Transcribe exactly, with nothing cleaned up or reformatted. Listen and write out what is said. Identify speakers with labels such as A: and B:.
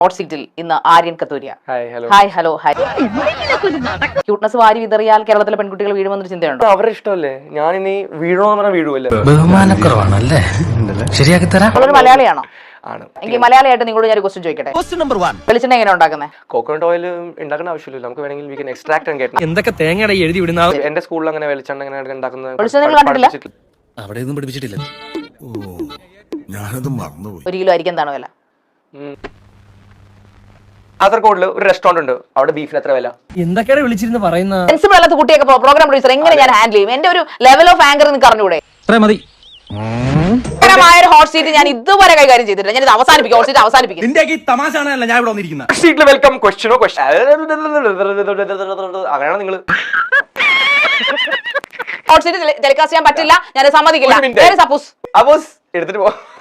A: Hot സീറ്റിൽ ഇന്ന് Aryan Kathuria.
B: Hi hello
A: hi hello hi. Cuteness വാരി വിതറിയാൽ കേരളത്തിലെ പെൺകുട്ടികൾ വീഴുമെന്നൊരു ചിന്തയുണ്ടോ?
B: അവരുടെ ഇഷ്ടമല്ലേ, ഞാൻ ഇനി വീഴണോന്ന് പറഞ്ഞാൽ വീഴുമല്ലോ.
C: ബഹുമാനക്കുറവാണല്ലേ, ശരിയാക്കി തരാം.
A: ഒരു മലയാളിയാണോ?
B: ആണ്.
A: എങ്കിൽ മലയാളിയായിട്ട് നിങ്ങളോട് ഞാൻ ഒരു ക്വസ്റ്റ്യൻ ചോദിക്കട്ടെ. വെളിച്ചെണ്ണ എങ്ങനെ ഉണ്ടാക്കുന്നത്?
B: കോക്കനട്ട് ഓയിൽ ഉണ്ടാക്കേണ്ട ആവശ്യമില്ല, നമുക്ക് വേണമെങ്കിൽ we can extract and get.
C: എന്തൊക്കെ തേങ്ങയുടെ എഴുതി വിടുന്ന
B: എന്റെ സ്കൂളിൽ അങ്ങനെ വെളിച്ചെണ്ണ അങ്ങനെ ഉണ്ടാക്കുന്നത്
A: വെളിച്ചെണ്ണ നിങ്ങൾ കണ്ടിട്ടില്ല?
C: അവിടെ ഒന്നും പഠിപ്പിച്ചിട്ടില്ല.
D: ഞാനത് മറന്നുപോയി.
A: ഒരു കിലോ അരിക്ക് എന്താണ് വില?
B: കാസർഗോഡിൽ ഒരു റെസ്റ്റോറന്റ് ഉണ്ട്, അവിടെ ബീഫിന് എത്ര വില?
C: എന്തൊക്കെയാണ് വിളിച്ചിരുന്ന് പറയുന്ന
A: സെൻസിബിൾ അല്ലാത്ത കുട്ടിയൊക്കെ പ്രോഗ്രാം പ്രൊഡ്യൂസർ എങ്ങനെ ഞാൻ ഹാൻഡിൽ ചെയ്യും? എന്റെ ഒരു ലെവൽ ഓഫ് ആങ്കർ നിങ്ങൾക്ക് അറിഞ്ഞൂടെ?
C: മതി.
A: ഒരു ഹോട്ട് സീറ്റ് ഞാൻ ഇതുവരെ കൈകാര്യം ചെയ്തിട്ടില്ല. ഞാൻ ഇത് അവസാനിപ്പിക്കും, ഹോട്ട് സീറ്റ് അവസാനിപ്പിക്കും.
C: തമാശയാണല്ല ഞാൻ ഇവിടെ വന്നിരിക്കുന്നത്.
B: സീറ്റിൽ വെൽക്കം ക്വസ്റ്റ്യനോ ക്വസ്റ്റ്യൻ അങ്ങനെയാണ് നിങ്ങൾ
A: ഹോട്ട് സീറ്റ് ടെലികാസ്റ്റ് ചെയ്യാൻ പറ്റില്ല, ഞാൻ സമ്മതിക്കില്ല. സപ്പോസ്
B: അപ്പോസ് എടുത്തിട്ട് പോ.